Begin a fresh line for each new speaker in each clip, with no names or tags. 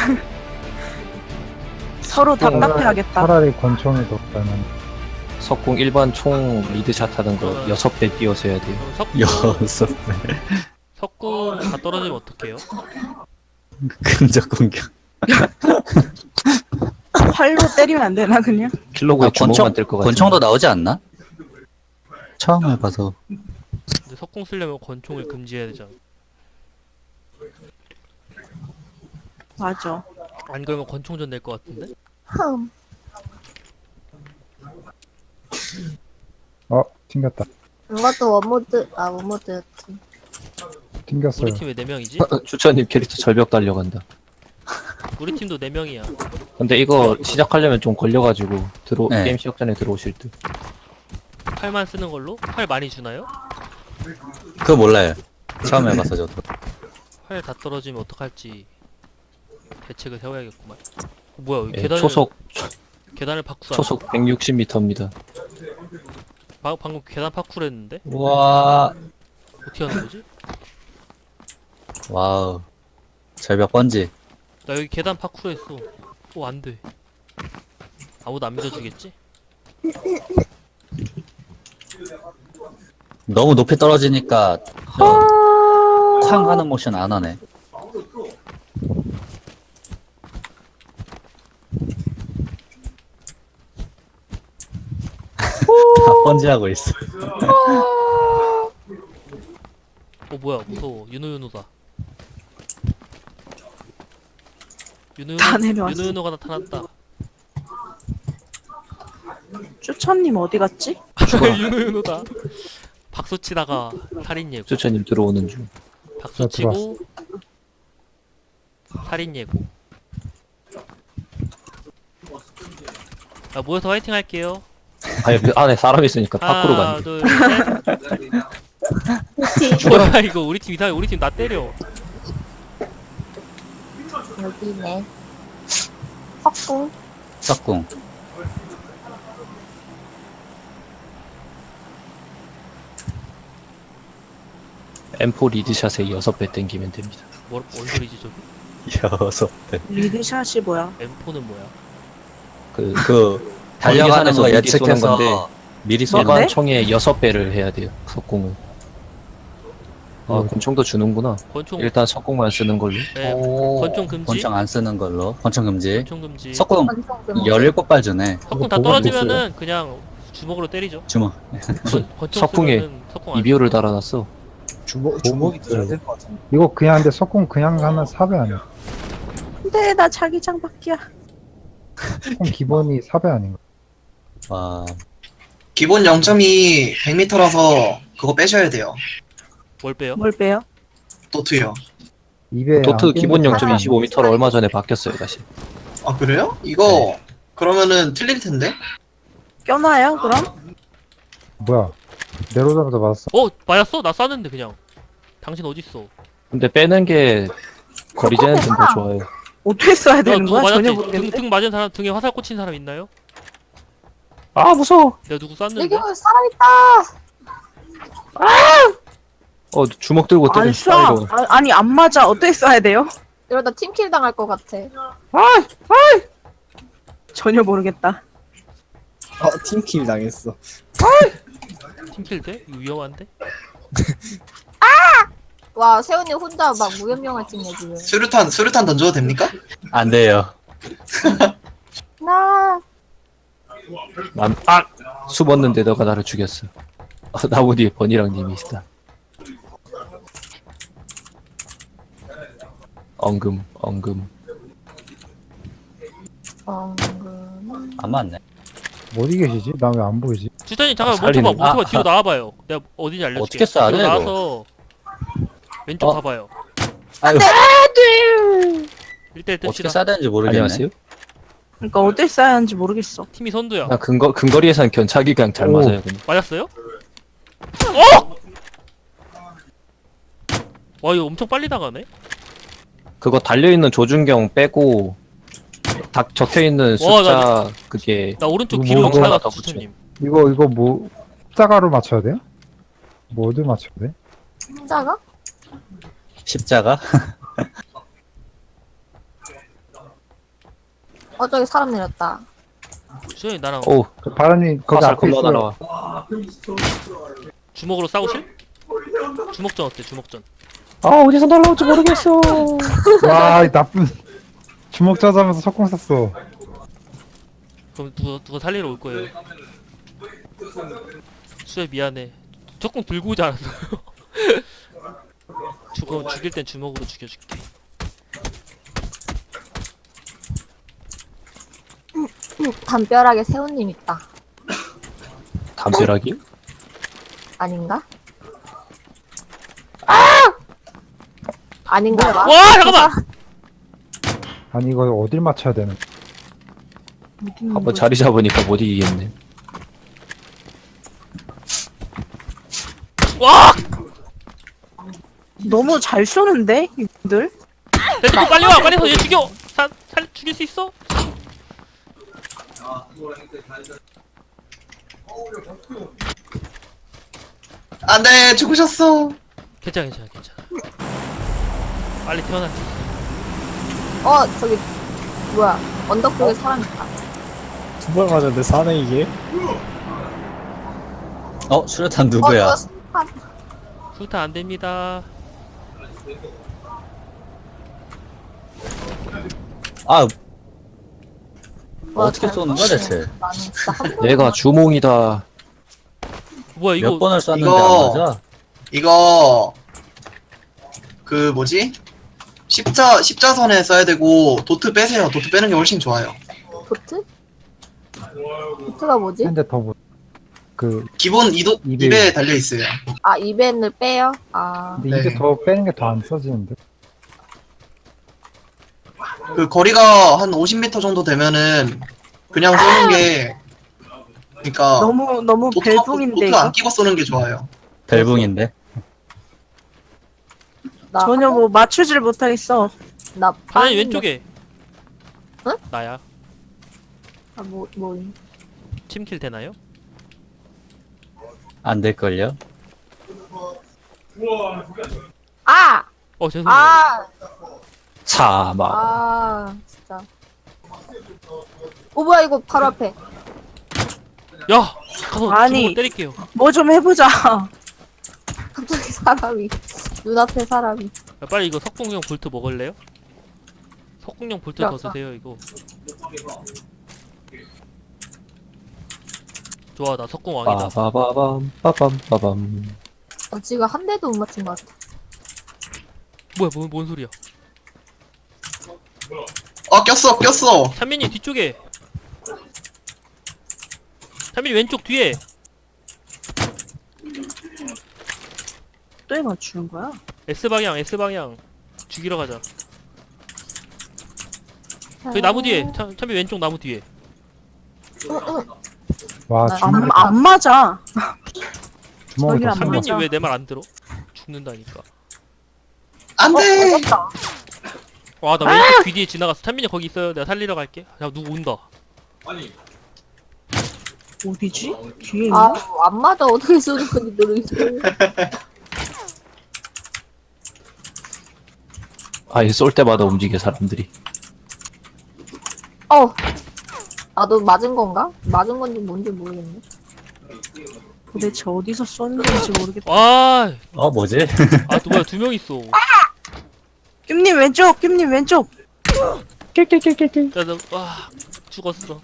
서로 답답해하겠다.
차라리 권총이 더 나는.
석궁 일반 총 리드샷 하는 거 6배 띄워서 해야 돼요.
여섯
석궁 다 떨어지면 어떡해요?
근접 공격.
활로 때리면 안 되나 그냥?
킬로그에 주먹만 뜰 것 같아.
권총도 나오지 않나? 처음 해봐서.
근데 석궁 쓰려면 권총을 금지해야 되잖아.
맞아.
안 그러면 권총전 낼 것 같은데?
튕겼다.
이것도 원모드였지.
튕겼어요.
우리 팀 왜 4명이지?
주차님 캐릭터 절벽 달려간다.
우리 팀도 4명이야.
근데 이거 시작하려면 좀 걸려가지고
네.
게임 시작 전에 들어오실 듯.
팔만 쓰는 걸로? 팔 많이 주나요?
그거 몰라요. 처음 해봐서 저도.
활 다 떨어지면 어떡할지 대책을 세워야겠구만. 뭐야 여기
예,
계단을 계단을 파쿠르
초속 160m입니다.
방금 계단 파쿠르 했는데?
와,
어떻게 하는 거지?
와우. 절벽 번지.
나 여기 계단 파쿠르 했어. 오 안돼. 아무도 안 믿어주겠지?
너무 높이 떨어지니까 쾅 하는 모션 안 하네. 다 번지하고 있어.
뭐야 무서워. 윤호윤호다.
다 내려왔어.
윤호윤호가 나타났다.
쭈천님 어디 갔지?
윤호윤호다. 박수 치다가 살인 예고.
주차님 들어오는 중.
박수 치고 살인 예고. 자 모여서 화이팅 할게요.
아니, 그 안에 사람 있으니까 밖으로
하나
간대.
둘 셋. 뭐야 이거 우리 팀 이상해. 우리 팀 나 때려.
여기네. 석궁.
석궁.
M4 리드샷에 6배 땡기면 됩니다.
뭔 소리지 저기?
여섯 배.
리드샷이 뭐야?
M4는 뭐야?
그
달려가는 거
미리 쏘는
예측해서
건데
미리 쏘는
일반
네?
총에 6배를 해야 돼요. 석궁은. 아, 권총도 주는구나.
권총
일단 석궁만 쓰는 걸로.
네,
오.
권총 금지.
권총 안 쓰는 걸로. 권총 금지.
권총 금지.
석궁
권총 금지.
17발 주네.
석궁 다
보고
떨어지면은 그냥 주먹으로 때리죠.
주먹.
권총
석궁에
쓰면은 석궁 안
이비호를 달아놨어.
주먹이 들어야 될 것 같은데.
이거 그냥 근데 석궁 그냥 하면 4배 아니야?
근데 나 자기장 밖이야.
석궁 기본이 4배 아닌가?
와.
기본 0.2 100m라서 그거 빼셔야 돼요.
뭘 빼요?
뭘 빼요?
도트요.
2배.
도트 기본
아,
0.25m로 얼마 전에 바뀌었어요, 다시.
아 그래요? 이거 그러면은 틀릴 텐데.
껴놔요 그럼?
뭐야? 내려오자마자 맞았어.
맞았어? 나 쐈는데 그냥. 당신 어딨어?
근데 빼는 게 거리 재는 좀 더 좋아요.
어떻게 써야
야
되는
누구
거야? 전혀
맞았지?
모르겠는데.
등 맞은 사람 등에 화살 꽂힌 사람 있나요?
아, 무서워!
내가 누구 쐈는데?
여기 살아있다.
주먹 들고 때리는
안 쏴. 아니 안 맞아. 어떻게 써야 돼요?
이러다 팀킬 당할 것 같아.
전혀 모르겠다.
팀킬 당했어.
팀킬 돼? 이거 위험한데?
와 세훈이 혼자 막 무협영화 찍네 지금.
수류탄 던져도 됩니까?
안 돼요.
나
숨었는데 너가 나를 죽였어. 나무 뒤에 버니랑 님이 있다. 엉금.
안 맞네.
어디 계시지? 나 왜 안 보이지?
주단님 잠깐
살리는-
멈춰봐 뒤로 나와봐요. 내가 어딘지 알려줄게.
어떻게 쏴야 돼,
뒤로
이거?
나와서 왼쪽 가봐요.
아유,
1대1
어떻게
뜹시다.
쏴야 되는지 모르겠네.
안녕하세요?
그러니까 어떻게 써야 하는지 모르겠어.
팀이 선두야.
나 근거리에선 견착이 그냥 잘
오.
맞아요. 그냥.
맞았어요? 어! 와 이거 엄청 빨리 나가네?
그거 달려있는 조준경 빼고 딱 적혀있는
와,
숫자 그게
나 오른쪽
이거
귀로
뭐
잘
하나
갔어
더 붙여.
주천님.
이거 뭐 십자가로 맞춰야 돼요? 뭐 어디 맞춰야 돼?
혼자가?
십자가?
저기 사람 내렸다.
수현이 나랑
오,
바라님 거기
화살
앞에
겁나
있어요.
날아와.
주먹으로 싸우실? 주먹전 어때? 주먹전.
아, 어디서 날아올지 모르겠어.
와, 이 나쁜 주먹 짜자면서 석공 쐈어.
그럼 누가 살리러 올 거예요. 수혜 미안해. 조금 들고 오지 않았어요? 죽일 땐 주먹으로 죽여줄게.
담벼락에 새우님 있다.
담벼락이?
아닌가? 아닌가 봐.
와 잠깐만!
아니 이거 어딜 맞춰야 되는?
한번 자리 잡으니까 못 이기겠네.
와!
너무 잘 쏘는데 이분들?
됐어 빨리 와! 빨리 와서 얘 죽여! 죽일 수 있어?
안돼 죽으셨어.
괜찮아. 빨리 태어나.
저기 뭐야? 언덕 쪽에 사람 있다.
두 발 맞았는데 사네 이게?
수류탄 누구야?
저거 심판.
수타 안 됩니다.
아,
와,
어떻게
잘
쏘는 거야,
쏘네.
대체?
나는 진짜 한 번도
내가 주몽이다.
뭐야 이거?
몇 번을 쐈는데
이거-
안 맞아?
이거 그 뭐지? 십자선에 써야 되고 도트 빼세요. 도트 빼는 게 훨씬 좋아요.
보트? 보트가 뭐지?
근데 더 못. 그
기본
입에-
입에 달려 있어요.
아, 이벤을 빼요? 아,
근데 이게
네.
더 빼는 게 더 안 써지는데.
그 거리가 한 50m 정도 되면은 그냥 쏘는 게 그러니까
너무 벨붕인데
도트
이거?
안 끼고 쏘는 게 좋아요.
벨붕인데?
나
전혀 뭐 맞추질 못하겠어.
나
바나니
빵인데-
왼쪽에.
응?
나야.
아, 뭐.
침킬 되나요?
안 될걸요?
아!
죄송해요.
아!
사막.
아, 진짜. 뭐야, 이거 바로 앞에.
야! 가서
아니.
주먹으로 때릴게요.
뭐 좀 해보자.
갑자기 사람이. 눈앞에 사람이.
야, 빨리 이거 석궁용 볼트 먹을래요? 석궁용 볼트 더
좋아.
드세요 이거. 좋아 나 석궁 왕이다.
빠바바밤 빠밤빠밤.
지금 한 대도 못 맞춘 것 같아.
뭐야 뭔 소리야?
꼈어.
찬민이 뒤쪽에. 찬민이 왼쪽 뒤에.
또 해 맞추는 거야?
S 방향. 죽이러 가자. 저기 나무 뒤에. 찬민 왼쪽 나무 뒤에.
와
나-
주먹
안 맞아.
주먹이
저기
더
안
쓴다.
찬민이
맞아.
왜 내 말 안 들어? 죽는다니까.
안돼.
맞았다.
와 나 왼쪽 귀 뒤에 지나갔어. 찬민이 거기 있어요. 내가 살리러 갈게. 야 누구 온다.
어디지? 뒤에
아,
있나?
안 맞아. 어떻게 쏘는 건지 모르겠어.
아예 쏠 때마다 움직여 사람들이.
나도 맞은 건가? 맞은 건지 뭔지 모르겠네.
도대체 어디서 쏘는지 모르겠다.
와.
뭐지?
또 뭐야 2명 있어.
뀨님 왼쪽, 뀨님 왼쪽.
와 죽었어.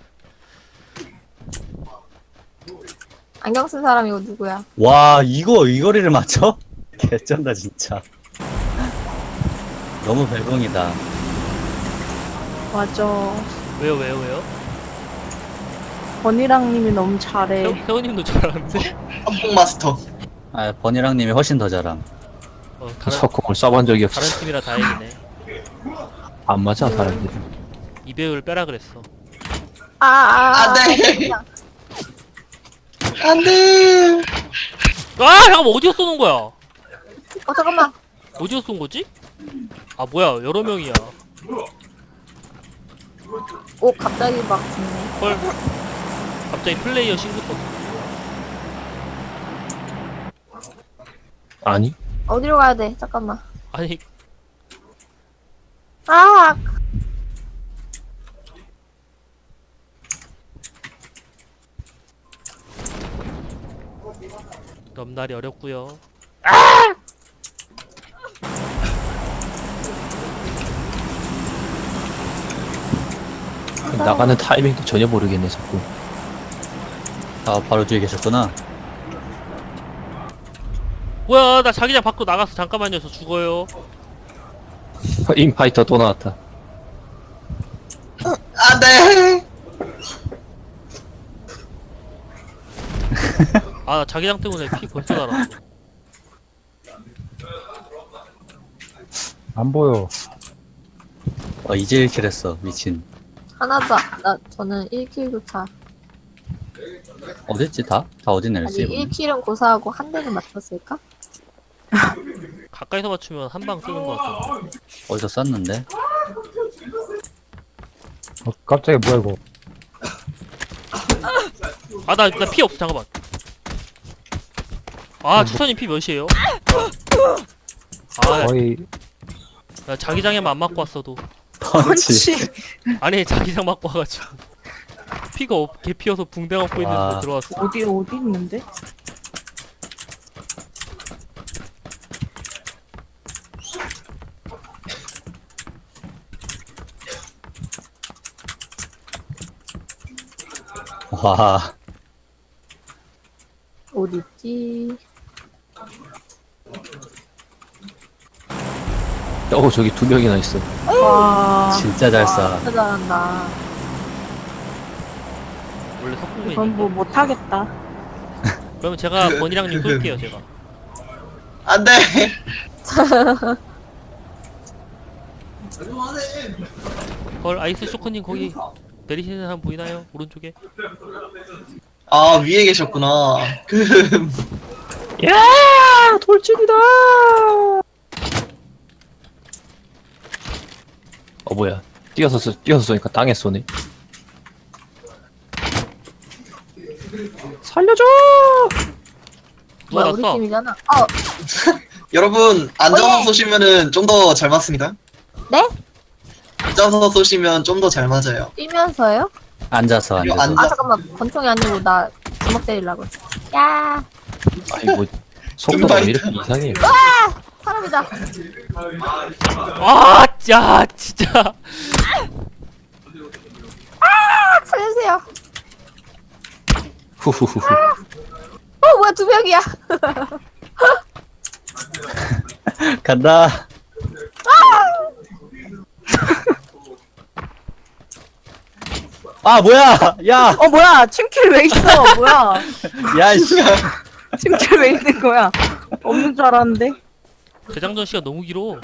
안경 쓴 사람 이거 누구야?
와, 이 거리를 맞춰? 개쩐다, 진짜. 너무 벨붕이다.
맞아.
왜요?
버니랑님이 너무 잘해.
세호님도 잘하는데?
한국 마스터.
아, 버니랑님이 훨씬 더 잘함.
다른
석궁을 쏴본 적이
다른
없어.
팀이라 다행이네.
안 맞아 사람들이.
이배우를 빼라 그랬어.
안돼. 안돼.
잠깐만 어디서 쏘는 거야?
잠깐만.
어디서 쏜 거지? 뭐야 여러 명이야.
갑자기 막 죽네.
헐. 갑자기 플레이어 신고 떴어.
아니?
어디로 가야 돼? 잠깐만.
아니
아!
넘날이 어렵고요.
나가는 타이밍도 전혀 모르겠네 자꾸.
아, 바로 뒤에 계셨구나.
뭐야, 나 자기장 밖으로 나갔어. 잠깐만요, 저 죽어요.
인파이터 또 나왔다.
안돼.
아, 나 자기장 때문에 피 벌써 달았어.
안 보여.
이제 1킬 했어. 미친.
하나도 저는 1킬조차.
어딨지, 다? 다 어디
아니
내렸지?
1킬은 고사하고 한 대는 맞췄을까?
가까이서 맞추면 한 방 쓰는 것 같아.
어디서 쐈는데?
깜짝이야, 뭐야, 이거.
아, 나 피 없어. 잠깐만. 아, 추천님 피 몇이에요? 아,
거의,
나 자기장에만 안 맞고 왔어도.
펀치.
펀치.
아니, 자기장 맞고 와가지고. 피가 개 피어서 붕대 갖고 있는데
와.
들어왔어.
어디 있는데?
와.
어딨지?
저기 2명이나 있어.
와.
진짜 잘 쏴.
진짜 잘한다.
원래 석궁맨이.
이건 뭐 못하겠다.
그러면 제가 번이랑님 끌게요, 제가.
안돼.
헐, 아이스 쇼크님 거기 내리시는 사람 보이나요? 오른쪽에?
아 위에 계셨구나.
야 돌진이다. 뭐야? 뛰어서 쏘니까 땅에 쏘네. 살려줘!
누가
뭐야 우리
났어?
팀이잖아.
여러분 앉아서
원래-
쏘시면은 좀 더 잘 맞습니다.
네?
앉아서 쏘시면 좀 더 잘 맞아요.
뛰면서요?
앉아서,
이거
앉아서.
아 잠깐만 권총이 아니고 나 주먹 때리려고. 야
아니 뭐 속도가 왜 이렇게 이상해?
사람이다.
아, 야, 진짜.
살려주세요.
후후후후.
뭐야 2명이야.
간다. 아, 뭐야! 야!
뭐야? 팀킬 왜 있어? 뭐야?
야, 씨.
팀킬 왜 있는 거야? 없는 줄 알았는데.
재장전 시간 너무 길어.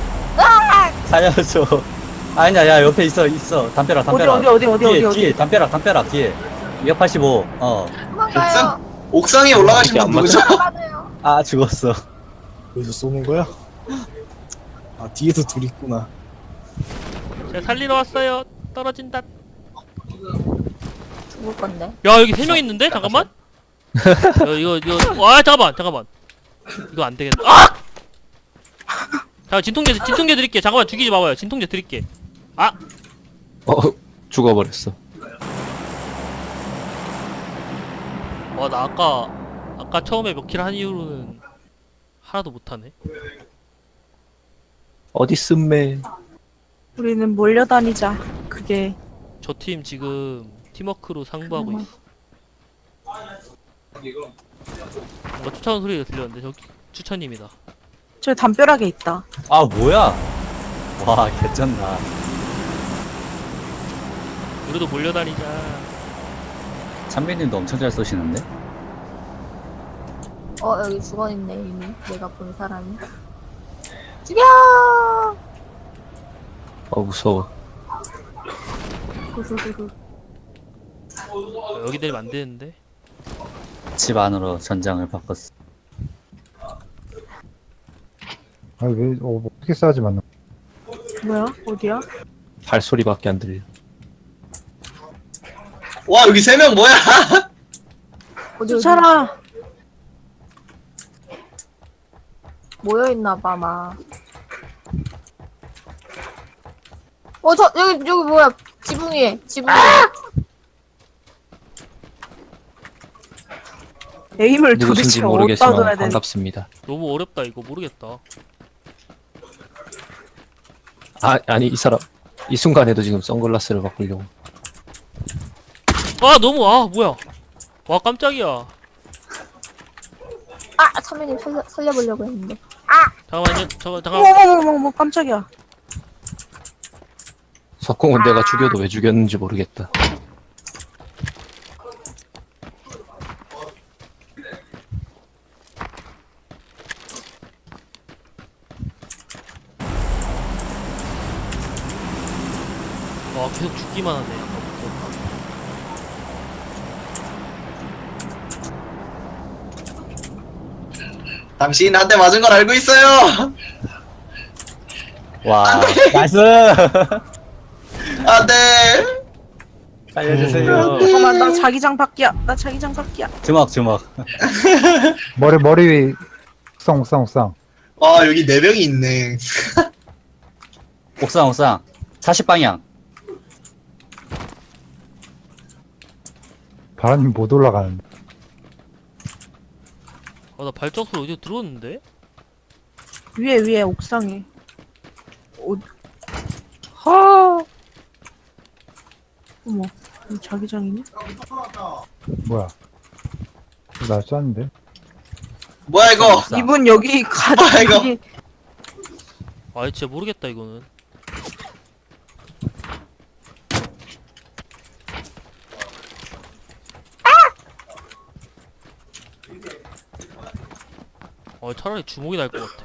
살려줘. 아니야, 야, 옆에 있어. 담벼락, 담벼락. 뒤에, 담벼락, 뒤에. 285.
도망가요.
옥상에 올라가신
이게
분
안
누구죠?
도망가요.
아, 죽었어.
여기서 쏘는 거야? 아 뒤에도 둘 있구나.
제가 살리러 왔어요. 떨어진다.
죽을 건데.
야, 여기 3명 있는데? 잠깐만. 이거. 와, 잠깐만. 이거 안 되겠다. 아! 자, 진통제 드릴게. 잠깐만, 죽이지 마봐요. 진통제 드릴게. 아!
죽어버렸어.
와, 나 아까 처음에 몇 킬 한 이후로는 하나도 못하네.
어디 쓴매?
우리는 몰려다니자. 그게
저 팀 지금 팀워크로 상부하고 있어. 뭔가 추천 소리가 들렸는데 저기 추천입니다.
저 담벼락에 있다.
아, 뭐야? 와, 개쩐다.
우리도 몰려다니자.
찬빈님도 엄청 잘 쏘시는데?
여기 죽어있네 이미 내가 본 사람이. 죽여.
무서워.
후후후후.
여기 내리면 안 되는데.
집 안으로 전장을 바꿨어.
아니, 왜, 어떻게 싸지 맞나?
뭐야? 어디야?
발소리밖에 안 들려.
와 여기 3명 뭐야?
어디
쫓아라.
모여있나봐 막. 여기 뭐야 지붕 위에.
에임을
누구신지
도대체 어디다
모르겠지만
둬야 되는
반갑습니다.
너무 어렵다 이거 모르겠다.
아니 이 사람 이 순간에도 지금 선글라스를 바꾸려고.
아 너무 뭐야. 와 깜짝이야.
아 참여님 살려보려고 했는데.
잠깐만요. 잠깐.
어머머머머 깜짝이야.
석공은 내가 죽여도 왜 죽였는지 모르겠다.
와 계속 죽기만 하네. 아까부터.
당신 한 대 맞은 걸 알고 있어요.
와 나이스.
안돼.
살려주세요.
잠깐만 나 자기장 밖이야. 나 자기장 밖이야.
주먹.
머리 위 옥상.
아 여기 4명이 있네.
옥상 40방향.
바람님 못 올라가는데.
나 발전소를 어디에 들어왔는데?
위에 옥상에. 어머 이 자기장이냐?
뭐야? 나 쐈는데.
뭐야 이거?
옥상.
이분 여기 가자.
이거.
여기
진짜 모르겠다 이거는. 차라리 주먹이 날 것 같아.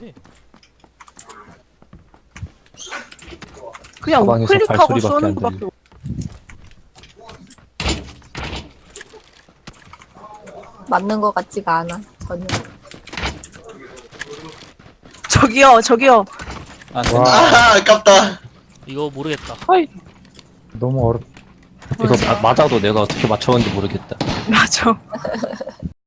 그냥
가방에서
클릭하고
발소리밖에
쏘는
안
거밖에
들려.
없-
맞는 것 같지가 않아 전혀.
저기요.
아,
와.
아 아깝다.
이거 모르겠다.
너무 어렵.
이거 맞아도 내가 어떻게 맞춰봤는지 모르겠다.
맞아.